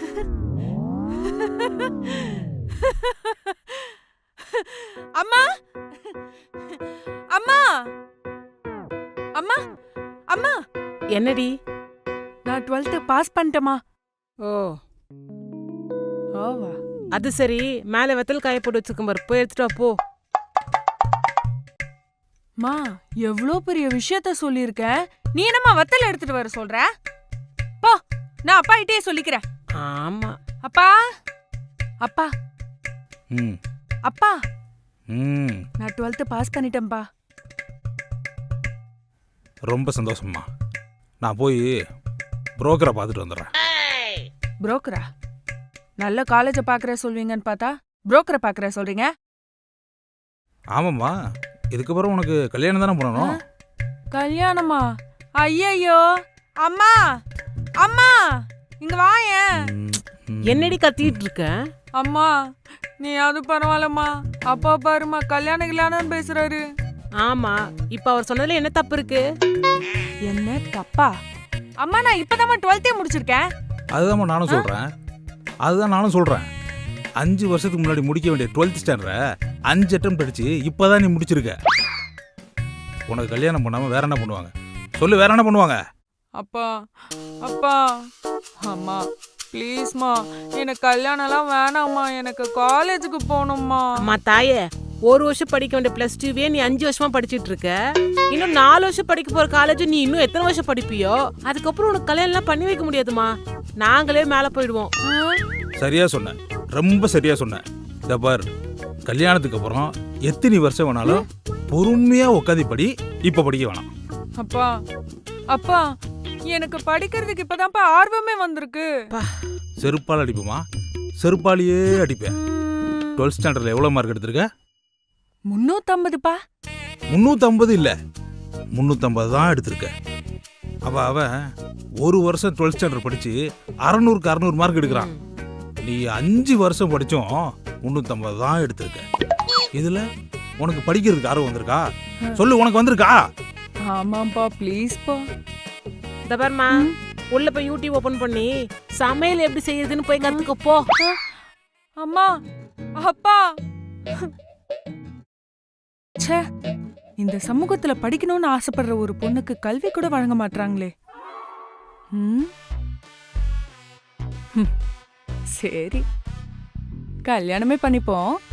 அம்மா அம்மா அம்மா அம்மா, என்னடி? நான் 12th பாஸ் பண்ணிட்டேமா. ஓ ஓவா, அது சரி. மேல வெத்தல் காய போட்டு வச்சிருக்கேன் பாரு, போய் எடுத்துட்டு வா போ. மா எவ்வளோ பெரிய விஷயத்த சொல்லியிருக்கேன், நீ என்னம்மா வத்தல் எடுத்துட்டு வர சொல்ற? போ, நான் அப்பா கிட்டே சொல்லிக்கிறேன். ஆமா. அப்பா அப்பா ம் அப்பா, ம் நான் 12th பாஸ் பண்ணிட்டேன்பா. ரொம்ப சந்தோஷம்மா. நான் போய் புரோக்கரை பார்த்துட்டு வந்துடுறேன். புரோக்கரா? நல்ல காலேஜை பார்க்குற சொல்வீங்கன்னு பார்த்தா புரோக்கரை பார்க்குற சொல்றீங்க. ஆமாம்மா, இதுக்கப்புறம் உனக்கு கல்யாணம் தானே பண்ணணும். கல்யாணமா? ஐயையோ, அம்மா அம்மா இங்க வாயேன். என்னடி கத்திட்டு இருக்க? அம்மா நீ அது பரவாயில்லம்மா, அப்பா பாருமா கல்யாணம் பேசுறாரு. ஆமா, இப்ப அவர் சொன்னதுல என்ன தப்பு இருக்கு? என்ன தப்பா? அம்மா நான் இப்பதாம்மா 12th முடிச்சிருக்கேன். அதுதான் நானும் சொல்றேன். 5 வருஷத்துக்கு முன்னாடி முடிக்க வேண்டிய 12th ஸ்டாண்டர்ட 5 அட்டம் படிச்சு இப்பதான் நீ முடிச்சிருக்க. உனக்கு கல்யாணம் பண்ணாம வேற என்ன பண்ணுவாங்க சொல்லு? வேற என்ன பண்ணுவாங்க? அப்பா அப்பா, அம்மா ப்ளீஸ்மா, எனக்கு கல்யாணம்லாம் வேணாம்மா, எனக்கு காலேஜுக்கு போகணும்மா. அம்மா தாயே, 1 வருஷம் படிக்க வேண்டிய +2வே நீ 5 வருஷமா படிச்சிட்டு இருக்க. இன்னும் 4 வருஷம் படிக்க போற காலேஜ் நீ இன்னும் எத்தனை வருஷம் படிப்பியோ? அதுக்கப்புறம் உனக்கு கல்யாணம் எல்லாம் பண்ணி வைக்க முடியாதுமா. நாங்களே மேல போயிடுவோம். சரியா சொன்ன, ரொம்ப சரியா சொன்ன. இத பார், கல்யாணத்துக்கு அப்புறம் எத்தனை வருஷம் வேணாலும் பொறுமையா உட்காந்து படி. இப்ப படிக்க வேணாம். அப்பா அப்பா, எனக்கு படிக்கிறதுக்கு இப்பதான்ப்பா ஆர்வமே வந்திருக்கு. செருப்பால் அடிப்புமா, செருப்பாலேயே அடிப்பேன். 12th ஸ்டாண்டர்ட்ல எவ்வளவு மார்க் எடுத்திருக்க? 350பா. 350 இல்ல, 350 தான் எடுத்திருக்க. அவன் 1 வருஷம் 12th ஸ்டாண்டர்ட் படிச்சு 600க்கு 600 மார்க் எடுக்கிறான். நீ 5 வருஷம் படிச்சும் 350 தான் எடுத்திருக்க. இதுல உனக்கு படிக்கிறதுக்கு ஆர்வம் வந்திருக்கா? சொல்லு, உனக்கு வந்திருக்கா? ஆமாப்பா, ப்ளீஸ்ப்பா. இந்த பாருமா, உள்ள போய் யூடியூப் ஓபன் பண்ணி சமையல் எப்படி செய்யறதுன்னு போய் கத்துக்க போ. அம்மா அப்பா, ச்சே, இந்த சமூகத்துல படிக்கணும்னு ஆசைப்படுற ஒரு பொண்ணுக்கு கல்வி கூட வழங்க மாட்டாங்களே. சரி, கல்யாணமே பண்ணிப்போம்.